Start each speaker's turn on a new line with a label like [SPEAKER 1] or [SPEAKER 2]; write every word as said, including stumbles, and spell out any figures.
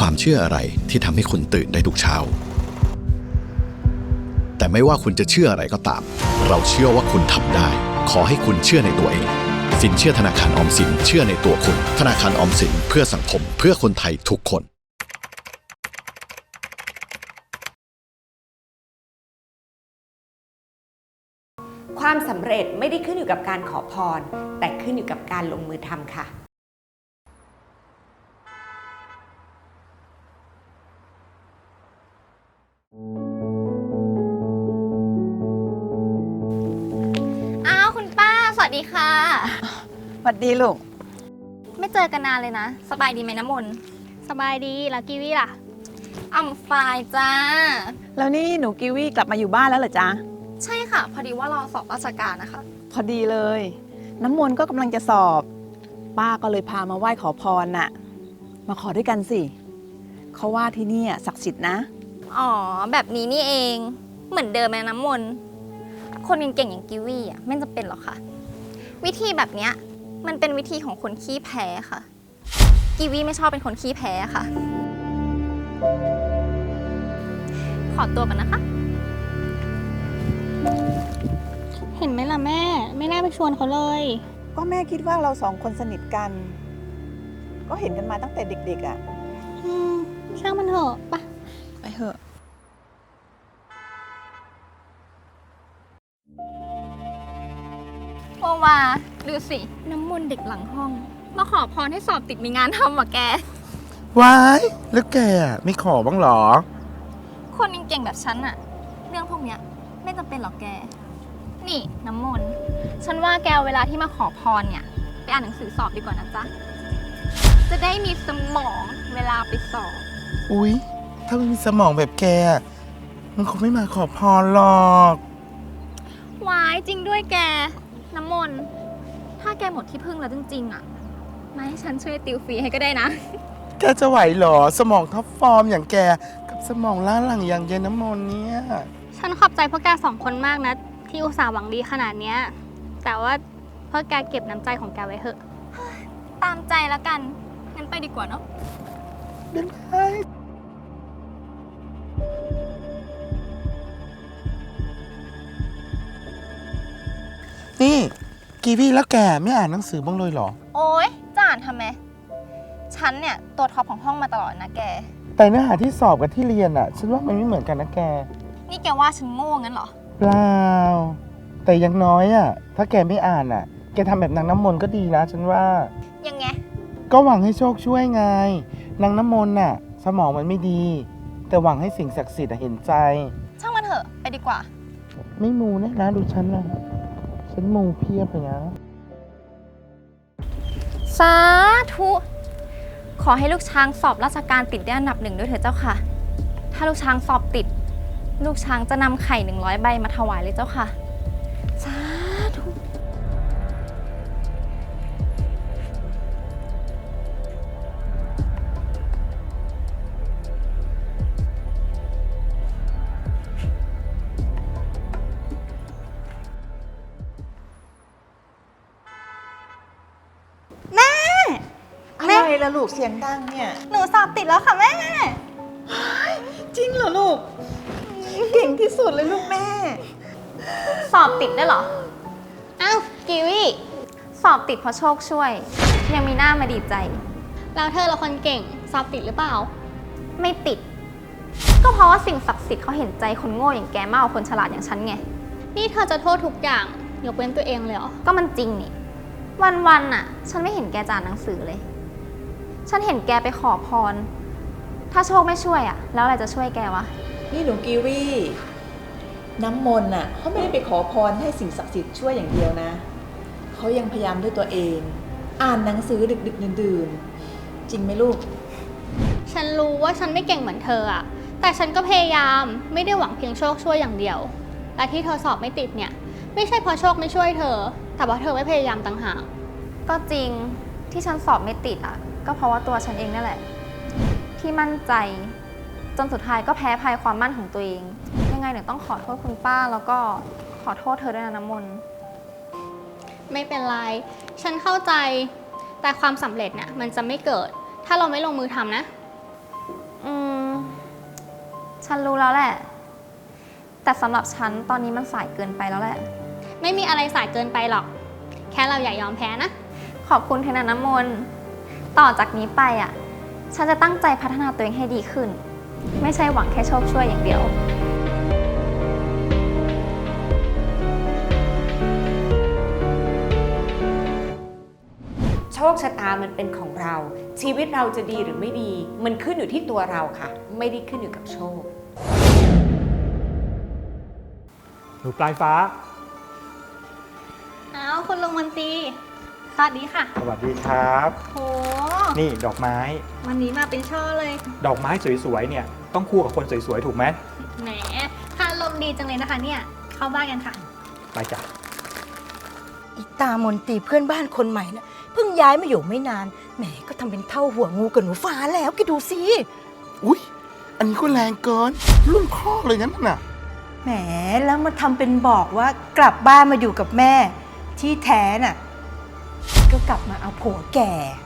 [SPEAKER 1] ความเชื่ออะไรที่ทำให้คุณตื่นได้ทุกเช้าแต่ไม่ว่าคุณจะเชื่ออะไรก็ตามเราเชื่อว่าคุณทำได้ขอให้คุณเชื่อในตัวเองสินเชื่อธนาคารออมสินเชื่อในตัวคุณธนาคารออมสินเพื่อสังคมเพื่อคนไทยทุกคน
[SPEAKER 2] ความสำเร็จไม่ได้ขึ้นอยู่กับการขอพรแต่ขึ้นอยู่กับการลงมือทำค่ะ
[SPEAKER 3] อ้าวคุณป้าสวัสดีค่ะ
[SPEAKER 4] สวัสดีลูก
[SPEAKER 3] ไม่เจอกันนานเลยนะสบายดีไหมน้ำมนต์สบายดีแล้วกีวีล่ะอ่ำฟายจ้า
[SPEAKER 4] แล้วนี่หนูกิวี่กลับมาอยู่บ้านแล้วเหรอจ๊ะ
[SPEAKER 3] ใช่ค่ะพอดีว่ารอสอบราชการนะคะ
[SPEAKER 4] พอดีเลยน้ำมนต์ก็กำลังจะสอบป้าก็เลยพามาไหว้ขอพรน่ะมาขอด้วยกันสิเขาว่าที่นี่ศักดิ์สิทธิ์นะ
[SPEAKER 3] อ๋อแบบนี้นี่เองเหมือนเดิมไหมน้ำมนต์คนเก่งๆอย่างกิวี่อ่ะไม่จำเป็นหรอกค่ะวิธีแบบเนี้ยมันเป็นวิธีของคนขี้แพ้ค่ะกิวี่ไม่ชอบเป็นคนขี้แพ้ค่ะขอตัวก่อนนะคะ
[SPEAKER 5] เห็นไหมล่ะแม่ไม่น่าไปชวนเขาเลย
[SPEAKER 4] ก็แม่คิดว่าเราสองคนสนิทกันก็เห็นกันมาตั้งแต่เด็กๆอ่ะ
[SPEAKER 5] อืมช่างมันเถอะปะ
[SPEAKER 4] ไปเถอะ
[SPEAKER 3] โอวาดูสิน้ำมนต์เด็กหลังห้องมาขอพรให้สอบติดมีงานทำว่ะแก
[SPEAKER 6] ว้ายแล้วแกไม่ขอบ้างหรอ
[SPEAKER 3] คนเก่งๆแบบฉันอะเรื่องพวกเนี้ยไม่จำเป็นหรอกแกนี่น้ำมนต์ฉันว่าแกเวลาที่มาขอพรเนี่ยไปอ่านหนังสือสอบดีกว่านะจ๊ะจะได้มีสมองเวลาไปสอบ
[SPEAKER 6] อุ๊ยถ้าไม่มีสมองแบบแกมันคงไม่มาขอพรหรอก
[SPEAKER 3] วายจริงด้วยแกน้ำมนต์ถ้าแกหมดที่พึ่งแล้วจริงๆอะมาให้ฉันช่วยติวฟรีให้ก็ได้นะ
[SPEAKER 6] แกจะไหวเหรอสมองท็อปฟอร์มอย่างแกกับสมองล้าหลังอย่างเย็นน้ำมนต์เนี่ย
[SPEAKER 5] ฉันขอบใจพวกแกสองคนมากนะที่อุตส่าห์หวังดีขนาดเนี้ยแต่ว่าพวกแกเก็บน้ำใจของแกไว้เถอะ
[SPEAKER 3] ตามใจแล้วกันงั้นไปดีกว่าเนาะ
[SPEAKER 6] บ๊ายบายนี่กีวี่แล้วแกไม่อ่านหนังสือบ้างเลยเหรอ
[SPEAKER 3] โอ๊ยจะอ่านทำไมฉันเนี่ยตัวท็อปของห้องมาตลอดนะแก
[SPEAKER 6] แต่เนื้อหาที่สอบกับที่เรียนอะฉันว่ามันไม่เหมือนกันนะแก
[SPEAKER 3] นี่แกว่าฉันโง่งั้นเหรอ
[SPEAKER 6] เปล่าแต่อยังน้อยอะถ้าแกไม่อ่านอะแกทำแบบนางน้ำมนต์ก็ดีนะฉันว่า
[SPEAKER 3] ยังไง
[SPEAKER 6] ก็หวังให้โชคช่วยไงนางน้ำมนต์น่ะสมองมันไม่ดีแต่หวังให้สิ่งศักดิ์สิทธิ์เห็นใจ
[SPEAKER 3] ช่างมันเถอะไปดีกว่า
[SPEAKER 6] ไม่มูนะนะดูฉันนะฉันมูเพียบเลยนะ
[SPEAKER 3] สาธุขอให้ลูกช้างสอบราชการติดได้อันดับหนึ่งด้วยเถอะเจ้าค่ะถ้าลูกช้างสอบติดลูกช้างจะนำไข่หนึ่งร้อยใบมาถวายเลยเจ้าค่ะสาธุ
[SPEAKER 4] อะไรล่ะลูกเสียงดังเนี่ย
[SPEAKER 3] หนูสอบติดแล้วค่ะแม่
[SPEAKER 4] จริงเหรอลูกเก่งที่สุดเลยลูกแม่
[SPEAKER 3] สอบติดได้เหรออ้าวกิวี่สอบติดเพราะโชคช่วยยังมีหน้ามาดีใจ
[SPEAKER 5] แล้วเธอละคนเก่งสอบติดหรือเปล่า
[SPEAKER 3] ไม่ติดก็เพราะว่าสิ่งศักดิ์สิทธิ์เขาเห็นใจคนโง่อย่างแกมากกว่าคนฉลาดอย่างฉันไง
[SPEAKER 5] นี่เธอจะโทษทุกอย่างยกเว้นตัวเองเลยเหรอ
[SPEAKER 3] ก็มันจริงนี่วันๆน่ะฉันไม่เห็นแกจานหนังสือเลยฉันเห็นแกไปขอพรถ้าโชคไม่ช่วยอ่ะแล้วอะไรจะช่วยแกวะ
[SPEAKER 4] นี่หนูกีวี่น้ำมนต์น่ะเขาไม่ได้ไปขอพรให้สิ่งศักดิ์สิทธิ์ช่วยอย่างเดียวนะเขายังพยายามด้วยตัวเองอ่านหนังสือดึกๆดื่นๆจริงไหมลูก
[SPEAKER 5] ฉันรู้ว่าฉันไม่เก่งเหมือนเธออะแต่ฉันก็พยายามไม่ได้หวังเพียงโชคช่วยอย่างเดียวและที่เธอสอบไม่ติดเนี่ยไม่ใช่เพราะโชคไม่ช่วยเธอแต่เพราะเธอไม่พยายามต่างหาก
[SPEAKER 3] ก็จริงที่ฉันสอบไม่ติดอ่ะก็เพราะว่าตัวฉันเองนั่นแหละที่มั่นใจจนสุดท้ายก็แพ้ภัยความมั่นของตัวเองยังไงเนี่ยต้องขอโทษคุณป้าแล้วก็ขอโทษเธอด้วยนะน้ำมนต์
[SPEAKER 5] ไม่เป็นไรฉันเข้าใจแต่ความสำเร็จเนี่ยมันจะไม่เกิดถ้าเราไม่ลงมือทำนะ
[SPEAKER 3] ฉันรู้แล้วแหละ แต่สำหรับฉันตอนนี้มันสายเกินไปแล้วแหละ
[SPEAKER 5] ไม่มีอะไรสายเกินไปหรอก แค่เราอย่ายอมแพ้นะ
[SPEAKER 3] ขอบคุณเทนะน้ำมนต์ต่อจากนี้ไปอ่ะ ฉันจะตั้งใจพัฒนาตัวเองให้ดีขึ้น ไม่ใช่หวังแค่โชคช่วยอย่างเดียว
[SPEAKER 2] โชคชะตามันเป็นของเรา ชีวิตเราจะดีหรือไม่ดี มันขึ้นอยู่ที่ตัวเราค่ะ ไม่ได้ขึ้นอยู่กับโชค
[SPEAKER 7] หนูปลายฟ้า
[SPEAKER 5] อ้าวคุณลุงมันตรีสวัสดีค่ะ
[SPEAKER 7] สวัสดีครับ
[SPEAKER 5] โห
[SPEAKER 7] นี่ดอกไม้
[SPEAKER 5] วันนี้มาเป็นช่อเลย
[SPEAKER 7] ดอกไม้สวยๆเนี่ยต้องคู่กับคนสวยๆถูกไหม
[SPEAKER 5] แหมค่าลมณ์ดีจังเลยนะคะเนี่ย เข้าบ้านกันค่ะ
[SPEAKER 7] ไปจ้ะ
[SPEAKER 8] อีตามนตรีเพื่อนบ้านคนใหม่นะเพิ่งย้ายมาอยู่ไม่นานแหมก็ทำเป็นเท่าหัวงูกับหนูฟ้าแล้วแกดูสิ
[SPEAKER 6] อุ๊ย อันนี้ก็แรงเกิน รุ่นพ่อเลยงั้นน่ะ
[SPEAKER 8] แหมแล้วมาทำเป็นบอกว่ากลับบ้านมาอยู่กับแม่ ที่แท้น่ะก็กลับมาเอาผัวแก่